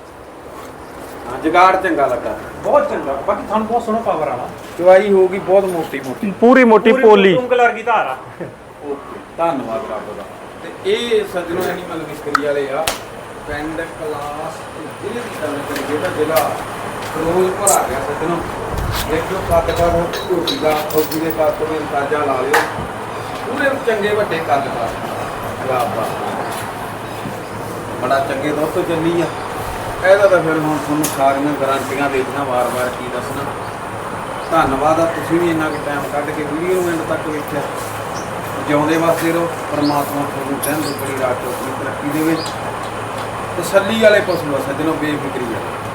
S3: ਹਾਂ ਜਗਾੜ ਚੰਗਾ ਲੱਗਾ।
S2: ਬਹੁਤ ਚੰਗਾ। ਬਾਕੀ ਤੁਹਾਨੂੰ ਬਹੁਤ ਸੋਹਣਾ ਪਾਵਰ ਵਾਲਾ।
S3: ਚਵਾਈ ਹੋਊਗੀ ਬਹੁਤ ਮੋਟੀ ਮੋਟੀ।
S1: ਪੂਰੀ ਮੋਟੀ ਪੋਲੀ।
S2: ਉਂਗਲਰ ਕੀ ਧਾਰ ਆ।
S3: ਓਕੇ ਧੰਨਵਾਦ ਰੱਬ ਦਾ। ਤੇ ਇਹ ਸੱਜਣੋ ਐਨੀਮਲ ਵਿਸਕਰੀ ਵਾਲੇ ਆ ਪਿੰਡ ਕਲਾਸ ਜ਼ਿਲ੍ਹੇ ਦੀ ਗੱਲ ਕਰੀਏ ਤਾਂ ਜ਼ਿਲ੍ਹਾ ਫਿਰੋਜ਼ਪੁਰ ਆ ਗਿਆ ਸੱਜਣੋ। ਦੇਖੋ ਕੱਦ ਦਾ ਝੋਟੀ ਦਾ ਫੌਜੀ ਦੇ ਕੱਦ ਤੋਂ ਵੀ ਅੰਦਾਜ਼ਾ ਲਾ ਲਿਓ। ਪੂਰੇ ਚੰਗੇ ਵੱਡੇ ਕੱਦ ਦਾ। ਵਾਹ ਵਾਹ ਬੜਾ ਚੰਗੇ ਦੁੱਧ ਤੋਂ ਚੱਲੀ ਆ। ਇਹਦਾ ਤਾਂ ਫਿਰ ਹੁਣ ਤੁਹਾਨੂੰ ਸਾਰੀਆਂ ਗਾਰੰਟੀਆਂ ਦੇ ਦਿੱਤੀਆਂ, ਵਾਰ-ਵਾਰ ਕੀ ਦੱਸਣਾ। ਧੰਨਵਾਦ ਆ, ਤੁਸੀਂ ਵੀ ਇੰਨਾ ਕੁ ਟਾਈਮ ਕੱਢ ਕੇ ਵੀਡੀਓ ਨੂੰ ਐਂਡ ਤੱਕ ਵੇਖਿਆ। ਜਿਉਂਦੇ ਵਾਸਤੇ ਰਹੋ, ਪਰਮਾਤਮਾ ਤੁਹਾਨੂੰ ਦਿਨ ਦੁੱਗਣੀ ਰਾਤ ਚੌਗੁਣੀ ਤਰੱਕੀ ਦੇਵੇ। ਤਸੱਲੀ ਵਾਲੇ ਪਸ਼ੂ ਆ ਸੱਜਣੋ, ਬੇਫਿਕਰੀ ਆ।